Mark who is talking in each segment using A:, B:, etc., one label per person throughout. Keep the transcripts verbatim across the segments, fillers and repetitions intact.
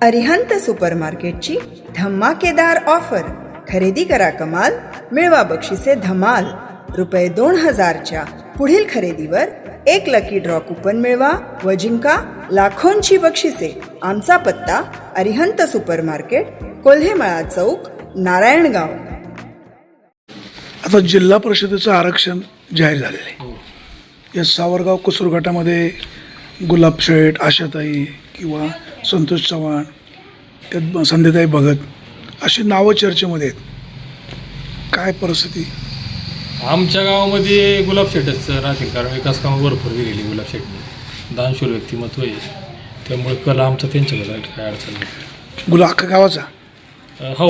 A: अरिहंत सुपरमार्केटची धमाकेदार ऑफर. खरेदी करा कमाल, मिळवा बक्षिसे धमाल. रुपये दोन हजारच्या पुढील खरेदीवर एक लकी ड्रॉ कुपन मिळवा व जिंका लाखोंची बक्षिसे. आमचा पत्ता अरिहंत सुपरमार्केट, कोल्हेमळा चौक, नारायणगाव.
B: आता जिल्हा परिषदेचं आरक्षण जाहीर झालेलं आहे. या सावरगाव कुसूर गटामध्ये गुलाब शेठ, आशाताई किंवा संतोष चव्हाण, त्यात संध्याताई भगत अशी नावं चर्चेमध्ये आहेत. काय परिस्थिती?
C: आमच्या गावामध्ये गुलाब शेठच राहतील, कारण विकास कामं भरपूर दिलेली गुलाब शेठने. दानशूर व्यक्तिमत्व आहे, त्यामुळे कला आमचा त्यांच्याकडे आहे, काय अडचण नाही.
B: गुलाब अख्खा गावाचा?
C: अ, हो.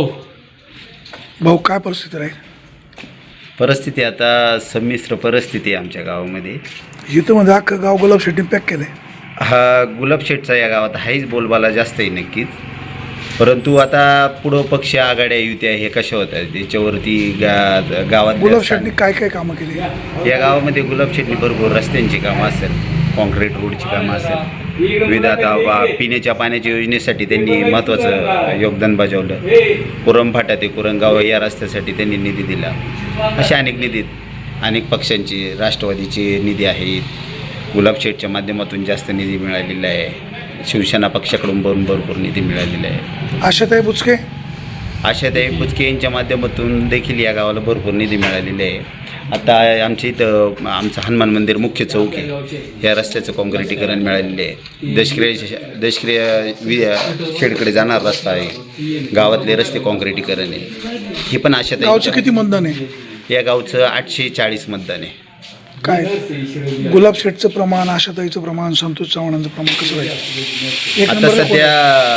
B: भाऊ, काय परिस्थिती राहील?
D: परिस्थिती आता संमिश्र परिस्थिती आहे आमच्या गावामध्ये.
B: इथं मध्ये अख्खं गाव गुलाब शेठने पॅक केलं आहे.
D: हा गुलाब शेठचा या गावात हाच बोलबाला जास्त आहे नक्कीच, परंतु आता पुढं पक्ष आघाड्या युत्या हे कशा होतात त्याच्यावरती गा गावात
B: गुलाब शेठने काय काय कामं केली?
D: या गावामध्ये गुलाब शेठने भरपूर रस्त्यांची कामं असेल, कॉन्क्रीट रोडची कामं असेल, विविध आता वा पिण्याच्या पाण्याच्या योजनेसाठी त्यांनी महत्त्वाचं योगदान बजावलं. कुरमफाटा ते कुरणगाव या रस्त्यासाठी त्यांनी निधी दिला. अशा अनेक निधीत अनेक पक्षांची, राष्ट्रवादीचे निधी आहेत, गुलाब शेठच्या माध्यमातून जास्त निधी मिळालेला आहे, शिवसेना पक्षाकडून भरून भरपूर निधी मिळालेला आहे.
B: आशाताई बुचके?
D: आशाताई बुचके यांच्या माध्यमातून देखील या गावाला भरपूर निधी मिळालेला आहे. आता आमच्या इथं आमचं हनुमान मंदिर मुख्य चौक आहे, या रस्त्याचं काँक्रिटीकरण मिळालेलं आहे. दशक्रिया दशक्रिया वि शेडकडे जाणार रस्ता आहे, गावातले रस्ते काँक्रिटीकरण आहे. हे पण आशाताई.
B: गावचं किती मतदान आहे?
D: या गावचं आठशे चाळीस मतदान आहे.
B: काय गुलाब शेठचं प्रमाण, आशाताईचं प्रमाण, संतोष चव्हाणांचं प्रमाण कसं राहील? एक
D: आता
B: नंबरला
D: सध्या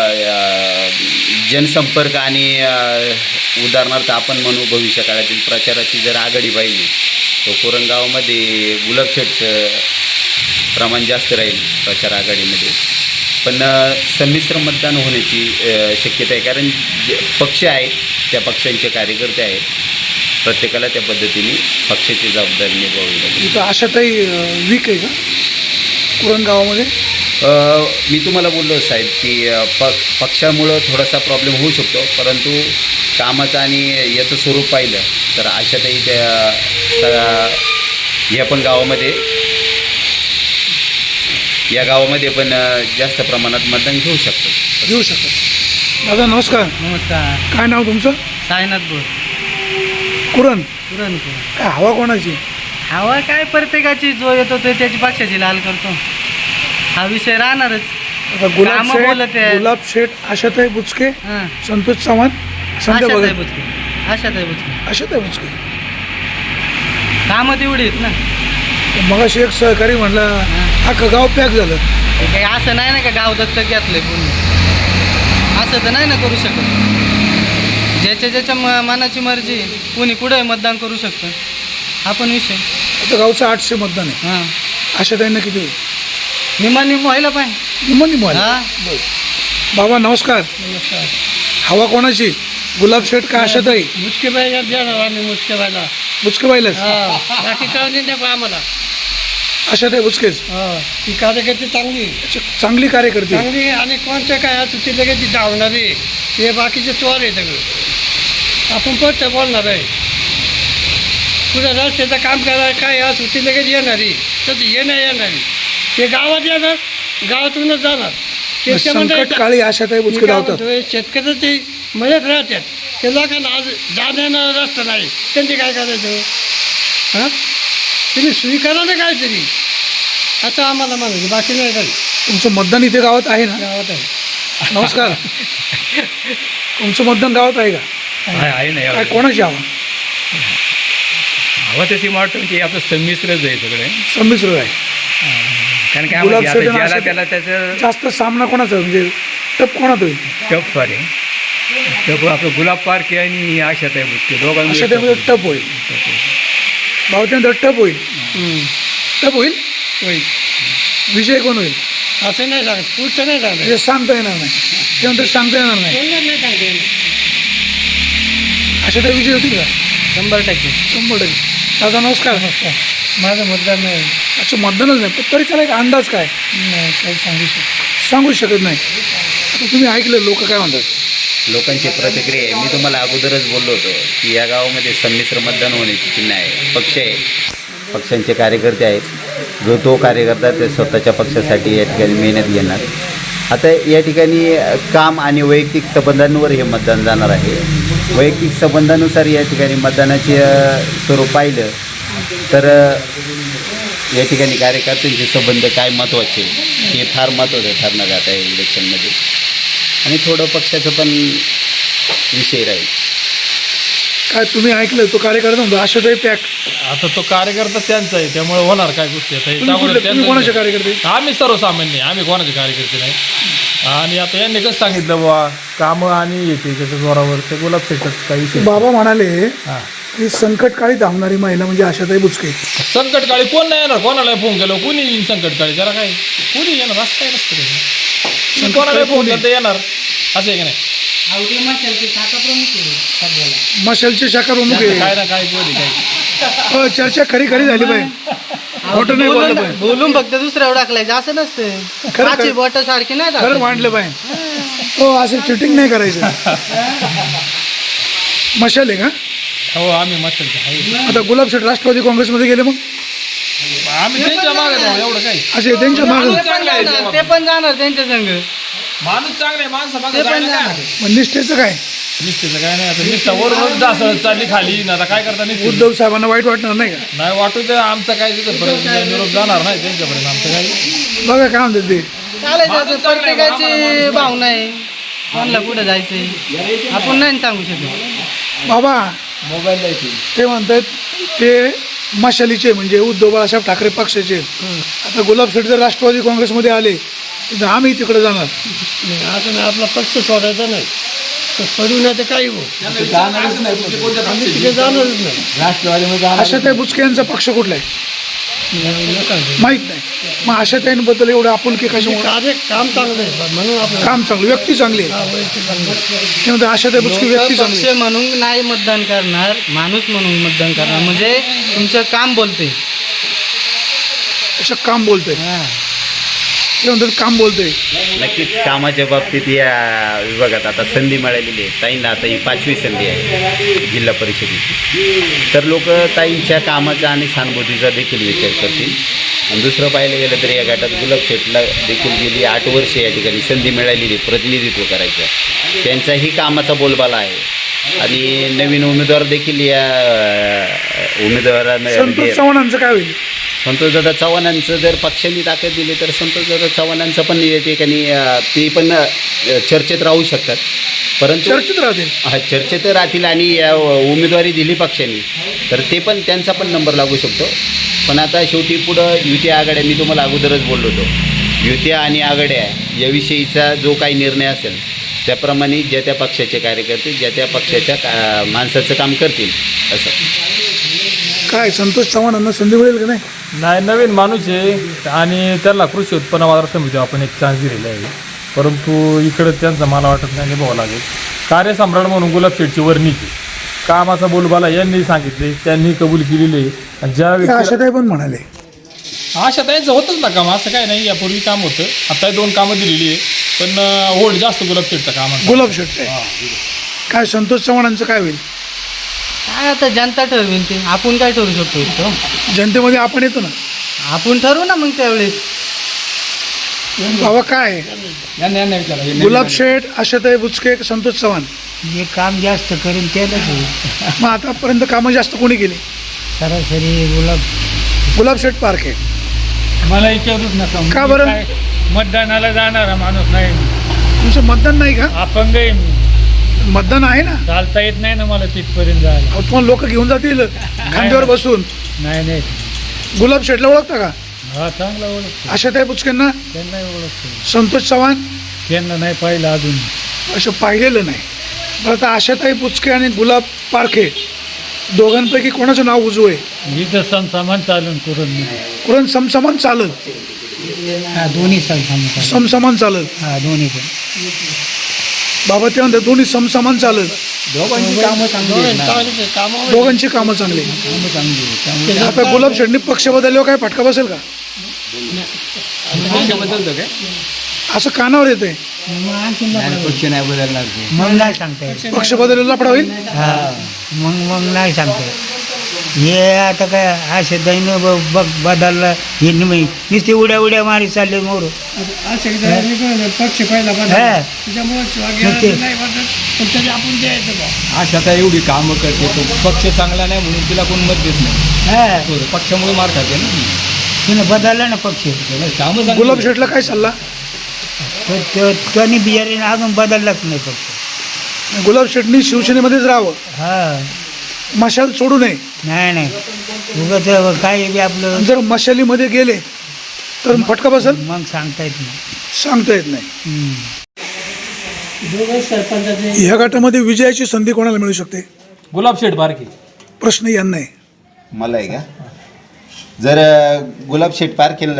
D: अ, जनसंपर्क आणि अ, उदाहरणार्थ आपण म्हणू भविष्य काळातील प्रचाराची जर आघाडी पाहिली तर कोरणगावमध्ये गुलाब शेठचं प्रमाण जास्त राहील प्रचार आघाडीमध्ये. पण अ, संमिश्र मतदान होण्याची अ, शक्यता आहे, कारण जे पक्ष आहे त्या पक्षांचे कार्यकर्ते आहेत, प्रत्येकाला त्या पद्धतीने पक्षाची जबाबदारी निभावावी लागेल.
B: इथं आशाताई वीक आहे का कुरण गावामध्ये?
D: मी तुम्हाला बोललो साहेब की प पक्षामुळं थोडासा प्रॉब्लेम होऊ शकतो, परंतु कामाचं आणि याचं स्वरूप पाहिलं तर आशाताई त्या ह्या पण गावामध्ये या गावामध्ये पण जास्त प्रमाणात मतदान घेऊ शकतो
B: घेऊ शकतो. दादा नमस्कार.
E: नमस्कार.
B: काय नाव तुमचं?
E: साईनाथ बोल.
B: कुरण?
E: कुरण
B: काय हवा कोणाची?
E: हवा काय प्रत्येकाची, जो येतो तो त्याची पक्षाची लाल करतो, हा विषय राहणारच.
B: आता गुलाब
E: कामं बोलत
B: शेठ,
E: आहे.
B: गुलाब शेठ, आशाताई बुचके,
E: हां.
B: संतोष चव्हाण, संध्या
E: आशाताई
B: भगत.
E: बुचके. आशाताई बुचके.
B: आशाताई बुचके.
E: कामं तेवढी आहेत ना.
B: मगाशी एक सहकारी म्हणला अख्खं गाव पॅक झालं.
E: हे काही असं नाही ना का गाव दत्तक घेतलंय कोणी, असं तर नाही ना करू शकत. ज्याच्या ज्याच्या म मनाची मर्जी, कोणी कुठे मतदान करू शकतं, हा पण विषय.
B: आता गावचं आठशे मतदान आहे.
E: हां.
B: आशाताईंना किती होईल?
E: निमा निम व्हायला पाहिजे.
B: निम्मन निम्मन.
E: हां.
B: बाबा नमस्कार.
E: नमस्कार.
B: हवा कोणाची? गुलाब शेठ का आशाताई?
E: मुचके बाईला देणार आम्ही, मुचके बाईला.
B: बुचके पाहिलंच?
E: बाकी कळून नको आम्हाला.
B: आशाताई बुचकेच
E: ती कार्यकर्ती चांगली
B: चांगली कार्यकर्ते.
E: चांगली आणि कोणत्या काय असं ती लगेच ती धावणारी, हे बाकीचे चोर आहे सगळं. आपण पट्ट बोलणार आहे, पुढे रस्त्याचं काम करायला काय असं ती लगेच येणारी, तसं येणं येणारी, ते गावात येणार, गावातूनच जाणार.
B: संकट काळी आशाताई बुचके धावतात.
E: शेतकऱ्याचे मदत राहतात, ते लोकांना आज जाण्यानं रस्ता नाही, त्यांचे काय करायचं? हां, तुम्ही स्वीकारा ना काहीतरी, आता आम्हाला म्हणायचं, बाकी नाही काही.
B: तुमचं मतदान इथे गावात आहे ना?
E: गावात आहे.
B: नमस्कार. तुमचं मतदान गावात आहे का?
C: आहे ना,
B: काय कोणाची हवा?
C: हवा तशी वाटतं की आपलं संमिश्रच आहे सगळे,
B: संमिश्र आहे.
C: कारण काय
B: गुलाब
C: आता
B: शेठ आणि
C: ज्याला
B: आशाताई-
C: त्याला त्याचं
B: जास्त सामना कोणाचा म्हणजे टप कोणात होईल?
C: टप फार आहे. टप आपलं गुलाब पार्क आणि आशाताई बुचके दोघांमध्ये
B: आशाताईमध्ये टप होईल, भावत्यांतर टप होईल. टप होईल.
E: होईल.
B: विजय कोण होईल
E: असं नाही सांगत, पुढचं नाही सांगत,
B: हे सांगता येणार नाही. त्यानंतर सांगता येणार नाही.
E: बोलणार नाही सांगता येणार.
B: आशाताई विजय होतील का?
E: शंभर टक्के.
B: शंभर टक्के. दादा नमस्कार.
E: माझं मतदान नाही.
B: अच्छा, मतदानच नाही, पण तरी त्याला एक अंदाज काय
E: नाही काही सांगू शकतो.
B: सांगू शकत नाही. आता तुम्ही ऐकलं लोक काय म्हणतात?
D: लोकांची प्रतिक्रिया आहे. मी तुम्हाला अगोदरच बोललो होतो की या गावामध्ये संमिश्र मतदान होण्याची चिन्ह आहे. पक्ष आहे, पक्षांचे कार्यकर्ते आहेत. जो तो कार्यकर्ता ते स्वतःच्या पक्षासाठी या ठिकाणी मेहनत घेणार. आता या ठिकाणी काम आणि वैयक्तिक संबंधांवर हे मतदान जाणार आहे. वैयक्तिक संबंधानुसार या ठिकाणी मतदानाचे अ, स्वरूप पाहिलं तर अ, या ठिकाणी कार्यकर्त्यांचे संबंध काय महत्त्वाचे हे फार महत्त्वाचं ठरणार आहे आता या इलेक्शनमध्ये. आणि थोडं पक्षाचं पण विषय राहील.
B: काय तुम्ही ऐकलं तो कार्यकर्ता म्हणतो आशाताई पॅक.
C: आता तो कार्यकर्ता त्यांचा आहे, त्यामुळे होणार काय गोष्टी आता हे
B: तुम्ही
C: त्यामुळे
B: कुठले- तुम्ही कोणाचे
C: त्यांचं-
B: कार्यकर्ते?
C: आम्ही सर्वसामान्य, आम्ही कोणाचे कार्यकर्ते नाही. आणि आता यांनी कसं सांगितलं बाबा कामं आणि येते त्याच्या जोरावर ते गुलाब शेटच काही विषय.
B: बाबा म्हणाले
C: हां,
B: की संकटकाळी धावणारी महिला म्हणजे आशाताई बुचके.
C: संकटकाळी कोण नाही येणार, कोणाला फोन केलं कोणी येईल संकटकाळी, जरा काय कोणी येणार असं काय नसतं त्याचं. कोणाला फोन केलं तर येणार असं आहे की नाही.
B: मशालचे शाखा प्रमुख
C: त्यांचं काय
B: आहे.
C: ना काय कोणी काय
B: हो, चर्चा खरी खरी झाली पाहिजे. खोटं नाही बोललं पाहिजे.
F: बोलून फक्त दुसऱ्यावर टाकलायचं असं नसतं.
B: खरं-
F: पाचही बोट सारखी नाही
B: खरं
F: टाकायची.
B: मांडलं पाहिजे. हो, असं चिटिंग नाही करायचं. मशाल आहे का?
C: हो आम्ही मस्त आहे.
B: आता गुलाब शेठ राष्ट्रवादी काँग्रेसमध्ये गेले मग
C: आम्ही त्यांच्या मागे जाऊ एवढं काही.
B: असे त्यांच्या
F: ते
B: मागं
F: पण जाणार, ते पण जाणार त्यांच्या संघ.
C: माणूस चांगले माणसं मागे
F: ते पण
C: जायला काय
F: जाणार.
C: हरकत?
B: मग निष्ठेचं काय?
C: निष्ठेचं काय नाही. आता निष्ठा वरच डासळत चालली खाली ना आता काय करता निष्ठेचं?
B: उद्धव साहेबांना वाईट वाटणार नाही का?
C: नाही वाटू तर आमचं काय तिथं पर्यंत निरोप जाणार नाही त्यांच्यापर्यंत आमचं काही.
B: बघा काय म्हणतात ते.
F: चालायचं आता
C: माणूस चांगला आहे, आम्हाला
F: प्रत्येकाची
C: माणूस
F: भावना आहे. कोणाला कुठं जायचंय आपण नाही सांगू शकत.
B: बाबा
C: मोबाईल द्यायची.
B: ते म्हणतात ते मशालीचे म्हणजे उद्धव बाळासाहेब ठाकरे पक्षाचे आहेत. आता गुलाब शेठ जर राष्ट्रवादी काँग्रेसमध्ये आले तर आम्ही तिकडे जाणार.
E: नाही असं नाही, आपला पक्ष सोडायचा नाही. तर पडू नाही तर काही हो, आम्ही तिथे जाणारच नाही.
C: राष्ट्रवादीमध्ये
B: आशाताई बुचके यांचा पक्ष कुठला आहे
E: नाही, नका जाऊ.
B: माहीत नाही. मग आशाताईंबद्दल एवढं आपुलकी
E: ते
B: कशामुळे?
E: कार्य काम चांगलं आहे म्हणून आपलं
B: काम चांगलं, व्यक्ती चांगली आहे.
E: हा, वैयक्तिक चांगलं आहे.
B: ते म्हणतात आशाताई बुचके व्यक्ती
F: लोकं
B: चांगली
F: पक्ष
B: आहे.
F: म्हणून नाही मतदान करणार, माणूस म्हणून मतदान करणार. म्हणजे तुमचं काम बोलते.
B: असं काम बोलतंय.
F: हा.
B: ते म्हणतात काम बोलतंय.
D: नक्कीच कामाच्या बाबतीत या विभागात आता संधी मिळालेली आहे. ताईंना आता ही पाचवी संधी आहे जिल्हा परिषदेची. तर लोक ताईंच्या कामाचा आणि सहानुभूतीचा देखील विचार करतील. आणि दुसरं पाहायला गेलं तर या गटात गुलाब शेठला देखील गेली आठ वर्ष या ठिकाणी संधी मिळालेली आहे प्रतिनिधित्व करायचं. त्यांचाही कामाचा बोलबाला आहे. आणि नवीन उमेदवार देखील या अ, उमेदवारांना
B: संतोष चव्हाणांचं काय होईल?
D: संतोषदादा चव्हाणांचं जर पक्षांनी ताकद दिली तर संतोषदादा चव्हाणांचं पण या ठिकाणी अ, ते पण अ, चर्चेत राहू शकतात. परंतु
B: चर्चेत राहतील.
D: हा चर्चेत राहतील आणि या उमेदवारी दिली पक्षांनी तर ते पण त्यांचा पण नंबर लागू शकतो. पण आता शेवटी पुढं युती आघाड्या मी तुम्हाला अगोदरच बोललो होतो युती आणि आघाड्या याविषयीचा जो काही निर्णय असेल त्याप्रमाणे ज्या त्या पक्षाचे कार्यकर्ते ज्या त्या पक्षाच्या का माणसाचं काम करतील असं.
B: काय संतोष चव्हाणांना संधी मिळेल का नाही?
C: नाही नवीन माणूस आहे आणि त्याला कृषी उत्पन्न बाजार समितीवर आपण एक चान्स दिलेला आहे. परंतु इकडं त्यांचं मला वाटत नाही निभावं लागेल. कार्यसम्राट म्हणून गुलाब शेठची वर्णीची कामाचा बोलबाला यांनी सांगितले, त्यांनी कबूल केलेली आहे. आणि ज्या
B: ते
C: व्यक्तीला
B: आशाताई पण म्हणाले.
C: आशा त्यांचं होतंच ना काम, असं काय नाही. यापूर्वी काम होतं, आता दोन कामं दिलेली आहे. पण होल्ड जास्त गुलाब शेठचं काम आहे.
B: गुलाब शेठ आहे. काय संतोष चव्हाणांचं काय होईल?
F: काय आता जनता ठरवेल ते. आपण काय ठरवू शकतो इथं?
B: जनतेमध्ये आपण येतो ना.
F: आपण ठरवू ना मग त्यावेळेस.
B: बाबा काय आहे?
C: यांना यांना विचारा. हे
B: गुलाब शेठ, आशाताई बुचके, संतोष चव्हाण.
E: जे काम जास्त करेल त्यालाच होईल.
B: मग आतापर्यंत कामं जास्त कोणी केली?
E: सरासरी गुलाब.
B: गुलाब शेठ पार्क आहे.
E: मला विचारूच नका.
B: का बरं?
E: मी काय मतदानाला जाणारा माणूस नाही.
B: तुमचं मतदान नाही का?
E: अपंग आहे मी.
B: मतदान आहे ना.
E: चालता येत नाही ना मला तिथपर्यंत जायला.
B: अहो, तुम्हाला लोक घेऊन जातील खांद्यावर बसून.
E: नाही नाही.
B: गुलाब शेठला ओळखता का?
E: हा चांगला ओळखतो.
B: आशाताई बुचकेंना?
E: त्यांना ओळखतो.
B: संतोष चव्हाण
E: त्यांना नाही पाहिलं अजून.
B: असं पाहिलेलं नाही. बरं आता आशाताई बुचके आणि गुलाब पारखे दोघांपैकी कोणाचं नाव उजवं आहे?
E: इथं समसामान चालून करून मी.
B: कुरण समसमान चालल.
E: हा दोन्ही समसामान.
B: समसमान चालल.
E: हा दोन्ही पण.
B: बाबा ते म्हणतात दोन्ही समसमान चालल.
C: दोघांची कामं चांगली आहेत ना.
B: दोघांची कामं चांगली. आता गुलाब शेठनी पक्ष बदलल्यावर काय फटका बसेल का?
C: पक्ष बदलतो काय?
B: असं कानावर येतंय.
F: मग आणखीन मग नाही सांगता येत.
B: पक्ष बदलला लफडा होईल.
F: हा मग मग नाही सांगता येत. हे आता काय असे दैन बघ बदललं हे निमी नुसते उड्या उड्या मारी चालले मोर.
E: असे पक्ष पहिला बदल
F: हा.
E: त्याच्यामुळे
F: ते-
E: नाही वाटत पण तरी आपण द्यायचं बा.
G: आशा आता एवढी कामं करते तो पक्ष चांगला नाही म्हणून तिला कोण मत देत नाही.
F: हा
G: तो पक्षामुळे मार खाते ना.
F: तिने बदलला ना पक्ष.
G: कामं चांगली
B: गुलाब शेठला काय सल्ला?
F: तर तो- त्याने बिहारीने अजून बदललाच नाही पक्ष.
B: गुलाब शेठनी शिवसेनेमध्येच राहावं,
F: हा
B: मशाल सोडू नये.
F: नाही नाही उगाच काय बी आपलं
B: आणि जर मशालीमध्ये गेले तर फटका बसेल,
F: मग सांगता येत नाही.
B: सांगता येत नाही.
F: हम्म.
E: दोघं सरपंचाचे
B: ह्या गटामध्ये विजयाची संधी कोणाला मिळू शकते?
C: गुलाब शेठ बारके.
B: प्रश्न यांना आहे.
D: मला आहे का जर अ, गुलाब शेठ पारखेल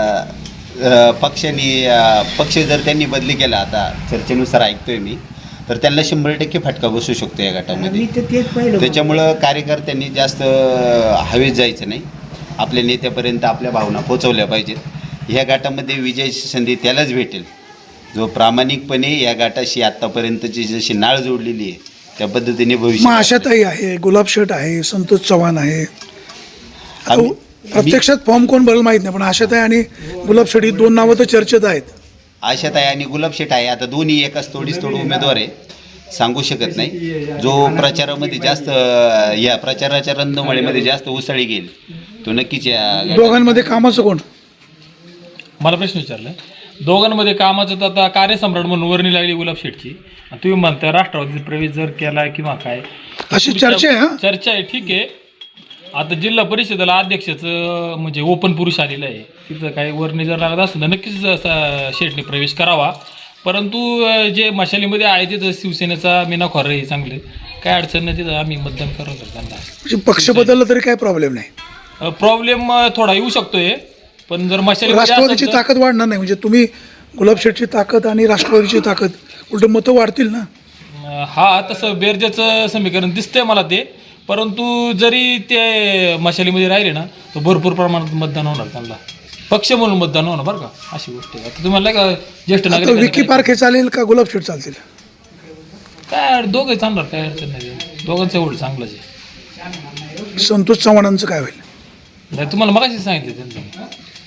D: अ, पक्षाने अ, पक्ष जर त्यांनी बदली केला आता चर्चेनुसार ऐकतोय मी तर त्यांना शंभर टक्के फटका बसू शकतो या गटामध्ये.
F: मी तर तेच पहिलं
D: त्याच्यामुळं कार्यकर्त्यांनी जास्त अ, हवेत जायचं नाही. आपल्या नेत्यापर्यंत आपल्या भावना पोचवल्या पाहिजेत. ह्या गटामध्ये विजयाची संधी त्यालाच भेटेल जो प्रामाणिकपणे या गटाशी आत्तापर्यंतची जशी नाळ जोडलेली आहे त्या पद्धतीने
B: मग
D: भविष्य
B: आशाताई आहे, गुलाब शेठ आहे, संतोष चव्हाण आहे. आता
D: आम्ही-
B: प्रत्यक्षात फॉर्म कोण भरेल माहीत नाही, पण आशाताई आणि गुलाब शेठ ही दोन नावं तर चर्चेत आहेत.
D: आशाताई आणि गुलाब शेठ आहे. आता दोन्ही एकाच तोडीस तोड उमेदवार आहे, सांगू शकत नाही. जो प्रचारामध्ये जास्त अ, या प्रचाराच्या रंधमाळीमध्ये जास्त उसळी घेईल तो नक्कीच या गटात-
B: दोघांमध्ये कामाचं कोण?
C: मला प्रश्न विचारला दोघांमध्ये कामाचं तर आता कार्यसम्राट म्हणून वर्णी लागली गुलाब शेठची आणि तुम्ही म्हणता राष्ट्रवादीचा प्रवेश जर केला किंवा काय
B: अशी चर्चा आहे. हा
C: चर्चा आहे. ठीक आहे. आता जिल्हा परिषदेला अध्यक्षाचं म्हणजे ओपन पुरुष आलेलं आहे, तिथं काही वर्णी जर लागत असेल तर नक्कीच असा शेठने प्रवेश करावा. परंतु अं, जे मशालीमध्ये आहे तिथं शिवसेनेचा मीना खोरे हे चांगले काय अडचण नाही, तिथं आम्ही मतदान करू त्यांना.
B: म्हणजे पक्ष बदलला तरी काही प्रॉब्लेम नाही.
C: प्रॉब्लेम थोडा येऊ शकतोय पण जर मशालीमध्ये
B: राष्ट्रवादीची
C: असेल तर-
B: ताकद वाढणार नाही. म्हणजे तुम्ही गुलाब शेठची ताकद आणि राष्ट्रवादीची ताकद उलट मतं वाढतील ना.
C: अं, हा तसं बेरजेचं समीकरण दिसतंय मला ते. परंतु जरी ते मशालीमध्ये राहिले ना तर भरपूर प्रमाणात मतदान होणार त्यांना, पक्ष म्हणून मतदान होणार बरं का, अशी गोष्ट आहे. आता तुम्हाला का ज्येष्ठ
B: आता
C: नागरिक
B: विकी पारखे चालेल का गुलाब शेठ चालतील?
C: काय दोघंही चांगणार, काय अडचण नाही. दोघांचं एवढं चांगलंच आहे.
B: संतोष चव्हाणांचं काय होईल?
C: नाही तुम्हाला मगाशी सांगितलं त्यांचं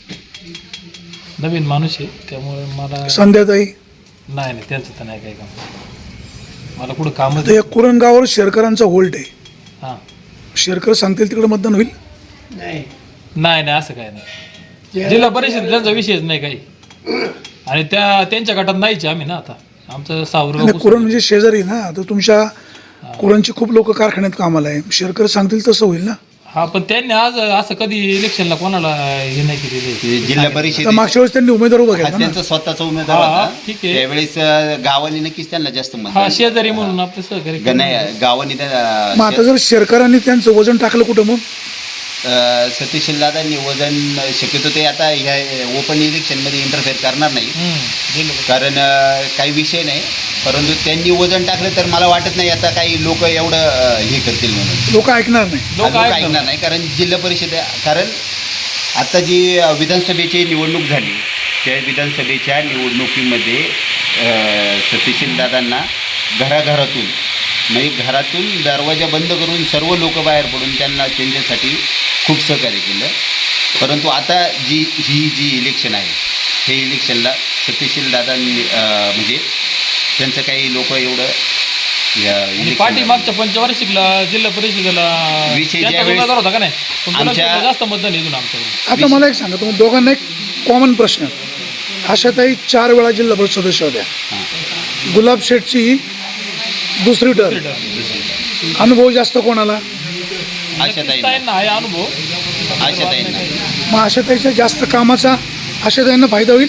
C: नवीन माणूस आहे त्यामुळे मला
B: संध्याताई
C: नाही नाही त्यांचं तर नाही काही काम. मला कुठं कामच
B: आता या कुरणगावावर शेरकरांचा होल्ट आहे.
C: हां
B: शेरकर सांगतील तिकडे मतदान होईल.
E: नाही
C: नाही नाही असं काय नाही. जिल्हा परिषद त्यांचा विषयच नाही काही आणि त्या त्यांच्या गटात नाहीच आहे आम्ही ना. आता आमचं
B: आणि
C: सावरगाव
B: कुरण म्हणजे शेजारी ना. आता तुमच्या कुरणची खूप लोक कारखान्यात कामाला आहे. शेरकर सांगतील तसं होईल ना.
C: हा पण त्यांनी आज असं कधी इलेक्शनला कोणाला हे नाही केलेलं
D: ते जिल्हा परिषद
B: आता मागच्या वेळेस त्यांनी उमेदवार उभा केला ना.
D: त्यांचा स्वतःचा उमेदवार
C: हा,
D: होता
C: ठीक आहे.
D: त्यावेळेस अ, गावाने नक्कीच त्यांना जास्त मत
C: हा शेजारी म्हणून आपलं सहकारी
D: ग- नाही गावाने
B: मग आता
D: त्या
B: जर शेरकरांनी त्यांचं वजन टाकलं कुठं मग?
D: सतीश दादांनी वजन शक्यतो ते आता ह्या ओपन इलेक्शनमध्ये इंटरफेअर करणार नाही
C: हम्म, जिल्हा
D: कारण अ, काही विषय नाही. परंतु त्यांनी वजन टाकलं तर मला वाटत नाही आता काही लोक एवढं अ, हे करतील म्हणून
B: लोक ऐकणार नाही.
C: लोक
D: लोक
C: ऐकतात.
D: ऐकणार नाही. कारण जिल्हा परिषद कारण आता जी अ, विधानसभेची निवडणूक झाली त्या विधानसभेच्या निवडणुकीमध्ये अ, सतीशील दादांना घराघरातून म्हणजे घरातून दरवाजा बंद करून सर्व लोक बाहेर पडून त्यांना त्यांच्यासाठी खूप सहकार्य केलं. परंतु आता जी ही जी इलेक्शन आहे हे इलेक्शनला सतीशील दादांनी अ, म्हणजे त्यांचं काही लोक एवढं या
C: आणि
D: election-
C: पाठीमागच्या पंचवार्षिकला जिल्हा परिषदेला
D: विषय
C: त्यांचा
D: ज्यावेळेस
C: उमेदवार होता का नाही पण गुलाब
D: आमच्या-
C: शेठला जास्त मतदान येऊन आमच्याकडे.
B: आता मला एक सांगा, तुम्ही दोघांना एक कॉमन प्रश्न. आशाताई चार वेळा जिल्हा परिषद सदस्य होत्या. गुलाब शेठची दुसरी टर्म. अनुभव जास्त कोणाला?
D: आशाताईंना
C: ताईंना आहे अनुभव.
D: आशाताईंना
B: मग आशाताईच्या जास्त कामाचा आशाताईंना फायदा होईल.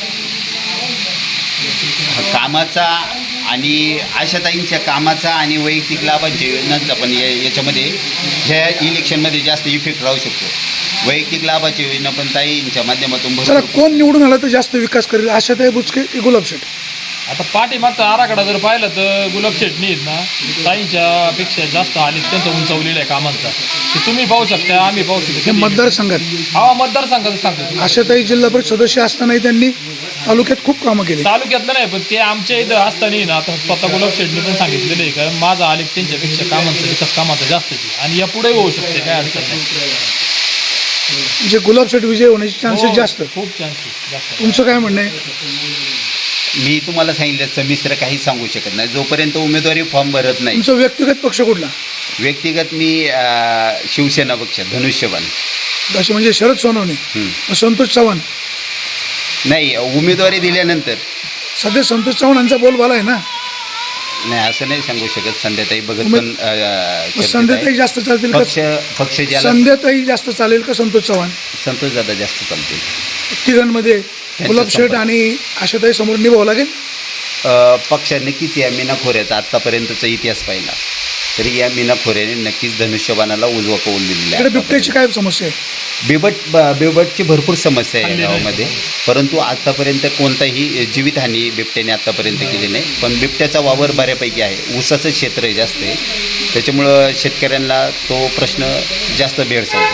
D: कामाचा आणि आशाताईंच्या कामाचा आणि वैयक्तिक लाभांच्या योजनांचा पण या याच्यामध्ये ह्या इलेक्शनमध्ये जास्त इफेक्ट राहू शकतो. वैयक्तिक लाभाची योजना पण ताईंच्या माध्यमातून
B: चला,
D: भरपूर
B: कोण निवडून आला तर जास्त विकास करेल, आशाताई बुचके की गुलाब शेठ?
C: आता पाठीमागचा आराखडा जर पाहिलं तर गुलाब शेटणी आहेत ना ताईंच्या पेक्षा जास्त आले त्यांचा उंचावलेला आहे कामांचा. ते तुम्ही पाहू शकता आम्ही पाहू
B: हे
C: शकतो.
B: मतदारसंघात
C: हा मतदारसंघाचं सांगतो.
B: आशाताई जिल्हा परिषद सदस्य असतानाही त्यांनी तालुक्यात खूप कामं केली.
C: तालुक्यातलं नाही, पण ते आमच्या इथं असताना ना, आता स्वतः गुलाब शेटनी पण सांगितलेलं आहे का माझा आलेख त्यांच्यापेक्षा कामांचा विकास कामाचा जास्त आहे आणि या पुढे होऊ शकते, काय अडचण नाही.
B: म्हणजे गुलाब शेठ विजय होण्याचे चान्सेस
C: हो,
B: जास्त.
C: खूप चान्सेस जास्त.
B: तुमचं काय म्हणणं आहे?
D: मी तुम्हाला सांगितलं समिश्र काही सांगू शकत नाही जोपर्यंत उमेदवारी फॉर्म भरत नाही.
B: तुमचा व्यक्तिगत पक्ष कुठला?
D: व्यक्तिगत मी अ, शिवसेना पक्ष धनुष्यबाण.
B: असे म्हणजे शरद सोनवणे,
D: हं.
B: संतोष चव्हाण.
D: नाही, उमेदवारी दिल्यानंतर
B: सध्या संतोष चव्हाणांचा बोलबाला आहे ना.
D: नाही असं नाही सांगू शकत. संध्याताई भगत
B: उमेद-
D: पण अ,
B: मग
D: चर्चेत
B: संध्याताई
D: आहे.
B: जास्त चालतील का?
D: पक्ष पक्ष ज्याला
B: संध्याताई जास्त चालेल का संतोष चव्हाण?
D: संतोष दादा जास्त चालतील.
B: तिघांमध्ये गुलाब शेठ
D: संपर्क.
B: आणि आशाताई समोर निभावं लागेल.
D: अ, पक्ष नक्कीच या मीना खोऱ्याचा आत्तापर्यंतचा इतिहास पाहिला तरी या मीना खोऱ्याने नक्कीच धनुष्यबाणाला उजवा कौल दिलेला
B: इकडे बिबट्याची
D: आहे.
B: काय समस्या आहे?
D: बिबट ब- बिबटची भरपूर समस्या आहे या गावामध्ये, परंतु आत्तापर्यंत कोणताही जीवितहानी बिबट्याने आत्तापर्यंत केली नाही. पण बिबट्याचा वावर बऱ्यापैकी आहे, ऊसाचं क्षेत्र जास्त आहे, त्याच्यामुळं शेतकऱ्यांना तो प्रश्न जास्त भेडसावतो.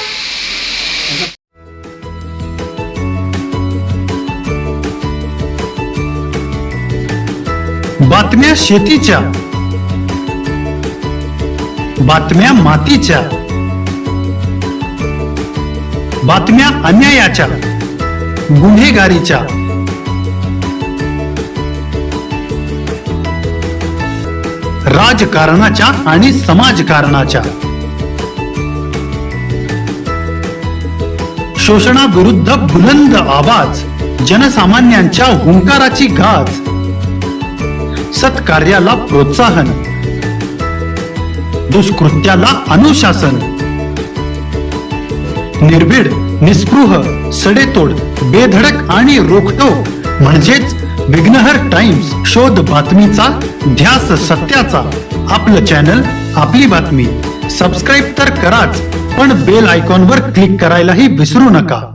H: बातम्या शेतीच्या, बातम्या मातीच्या, बातम्या अन्यायाच्या, गुन्हेगारीच्या, राजकारणाच्या आणि समाजकारणाच्या, शोषणाविरुद्ध बुलंद आवाज, जनसामान्यांच्या हुंकाराची गाज, सत्कार्याला प्रोत्साहन, दुष्कृत्याला अनुशासन, निर्भीड, निस्पृह, सडेतोड, बेधडक आणि रोखटोक म्हणजेच विघ्नहर टाइम्स. शोध बातमीचा, ध्यास सत्याचा. आपलं चॅनल, आपली बातमी. सबस्क्राईब तर कराच, पण बेल आयकॉनवर क्लिक करायलाही विसरू नका.